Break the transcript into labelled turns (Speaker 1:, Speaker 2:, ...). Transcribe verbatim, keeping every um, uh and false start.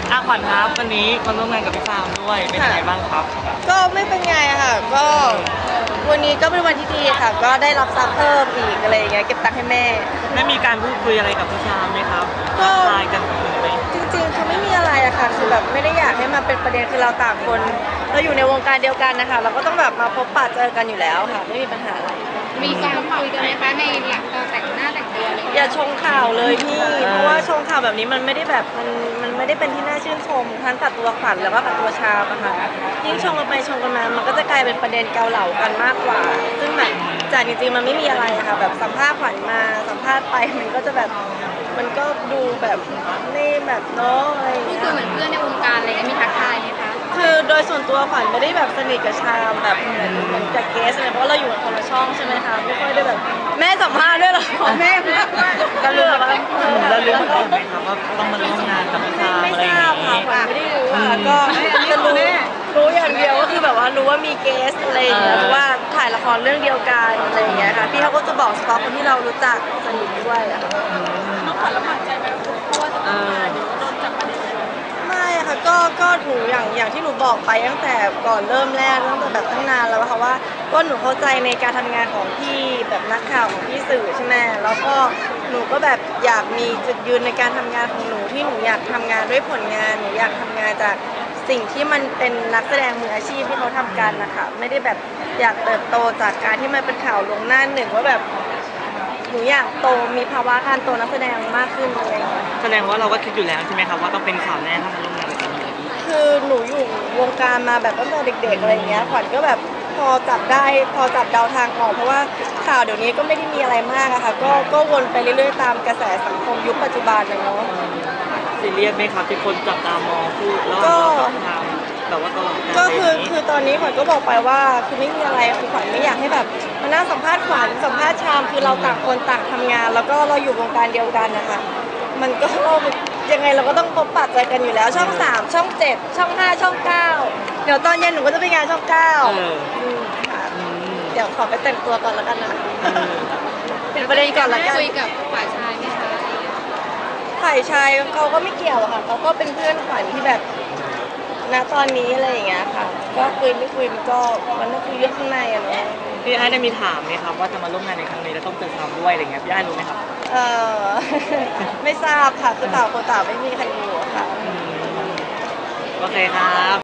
Speaker 1: อาขวัญครับวันนี้มาร่วมงานกับพี่ฟาร์มด้วยเป็นยังไงบ้างครับ
Speaker 2: ก็ไม่เป็นไงค่ะก็วันนี้ก็เป็นวันที่ดีค่ะก็ได้รับทรัพย์เพิ่มอีกอะไรอย่างเงี้ยเก็บตังค์ให้แม่
Speaker 1: ได้มีการพูดคุยอะไรกับพี่ฟาร์มไหมครับ
Speaker 2: ก็
Speaker 1: ไลน์กันคุยไหม
Speaker 2: จริงๆคือไม่มีอะไรอะค่ะคือแบบไม่ได้อยากให้มาเป็นประเด็นคือเราต่างคนเราอยู่ในวงการเดียวกันนะคะเราก็ต้องแบบมาพบปะเจอกันอยู่แล้วค่ะไม่มีปัญหาอะไร
Speaker 3: มีการคุยกันไหมคะในหลังตอนแต่งหน้าแต่งตัวอะไร
Speaker 2: อย่าชงข่าวเลยพี่เพราะว่าชงข่าวแบบนี้มันไม่ได้แบบมันมันไม่ได้เป็นที่น่าชื่นชมทั้งกับตัวขวัญแล้วก็กับตัวชาอะค่ะยิ่งชงกันไปชงกันมามันก็จะกลายเป็นประเด็นเกาเหลากันมากกว่าซึ่งแบบจากจริงๆมันไม่มีอะไรอะค่ะแบบสัมภาษณ์ขวัญมาสัมภาษณ์ไปมันก็จะแบบมันก็ดูแบบนี่แบบเนาะอะไรอย่าง
Speaker 3: พูด
Speaker 2: เงี้ย
Speaker 3: คุยเหมือนเพื่อนในวงการอะไรเงี้ยมีทักทายไหมคะ
Speaker 2: คือโดยส่วนตัวขวัญไม่ได้แบบสนิทกับชามแบบเหมือนเหมือนกับเกสอะไรเพราะเราอยู่กับคนละช่องใช่ไหมคะไม่ค่อยได้แบบแม่สัมภาษณ์ด้วยเหรอแม่ก็รู้แบบว่า
Speaker 1: แล้วรู้มาก่อนไหมครับว่าต้องมาร่วมงานกับพี่ฟาร์ม
Speaker 2: ไม่
Speaker 1: อะไรอย่าง
Speaker 2: ทราบค่ะ
Speaker 1: นี้
Speaker 2: ขวัญไม่ได้รู้ค่ะก็จะรู้รู้อย่างเดียวก็คือแบบว่ารู้ว่ามีเกสอะไรอย่างเงี้ยเพราะว่าถ่ายละครเรื่องเดียวกันอะไรอย่างเงี้ยค่ะพี่เขาก็จะบอกเฉพาะคนที่เรารู้จักสนิทด้วยอะน้องขวัญลำบากใจไหมเพราะว่าจะต้องมาเดี๋ยวโดนจับประเด็นไม่ค่ะก็ก็หนูอย่างอย่างที่หนูบอกไปตั้งแต่ก่อนเริ่มแรกตั้งแต่แบบตั้งนานแล้วค่ะว่าก็หนูเข้าใจในการทำงานของพี่แบบนักข่าวของพี่สื่อใช่ไหมแล้วก็หนูก็แบบอยากมีจุดยืนในการทำงานของหนูที่หนูอยากทำงานด้วยผลงานหนูอยากทำงานจากสิ่งที่มันเป็นนักแสดงมืออาชีพที่เขาทำกันนะคะไม่ได้แบบอยากเติบโตจากการที่มันเป็นข่าวลงหน้าหนึ่งว่าแบบหนูอยากโตมีภาวะการโตนักแสดงมากขึ้นเลย
Speaker 1: แสดงว่าเราก็คิดอยู่แล้วใช่ไหมครับว่าต้องเป็นข่าวแน่ถ้ามาร่วมงานกับพี่
Speaker 2: คือหนูอยู่วงการมาแบบตั้งแต่เด็กๆอะไรอย่างเงี้ยขวัญก็แบบพอจับได้พอจับเดาทางออกเพราะว่าข่าวเดี๋ยวนี้ก็ไม่ได้มีอะไรมากอะค่ะก็ก็วนไปเรื่อยๆตามกระแสสังคมยุคปัจจุบันนะเนาะ
Speaker 1: ซีเรียสไหมครับที่คนจับตามองพูดแล้วเราต้องทำแบบว่าตลอด
Speaker 2: ก็คือคือตอนนี้ขวัญก็บอกไปว่าคือไม่มีอะไรคือขวัญไม่อยากให้แบบมานั่งสัมภาษณ์ขวัญสัมภาษณ์ชามคือเราต่างคนต่างทำงาน แล้วก็เราอยู่วงการเดียวกันนะคะมันก็ยังไงเราก็ต้องพบปะเจอกันอยู่แล้วช่องสามช่องเจ็ดช่องห้าช่องเก้าเดี๋ยวตอนเย็นหนูก็จะไปงานช่องเก้าค่ะเดี๋ยวขอไปแต่งตัวก่อนแล้วกันนะเป็นประเด็นก่อนละกัน
Speaker 3: คุยกับฝ่ายชายไหมคะ
Speaker 2: ฝ่ายชายเขาก็ไม่เกี่ยวค่ะเขาก็เป็นเพื่อนขวัญที่แบบณตอนนี้อะไรอย่างเงี้ยค่ะก็คุยไม่คุยมันก็มันต้องคุยเรื่องข้างในอะเนาะ
Speaker 1: พี่ไอ้ได้มีถามไหมครับว่าจะมาร่วมงานในครั้งนี้แล้วต้องเจอทำด้วยอะไรเงี้ยพี่ไอ้รู้ไหมครับ
Speaker 2: เออไม่ทราบค่ะคือต่างคนต่างไม่มีใครรู้ค่ะ
Speaker 1: โอเคครับ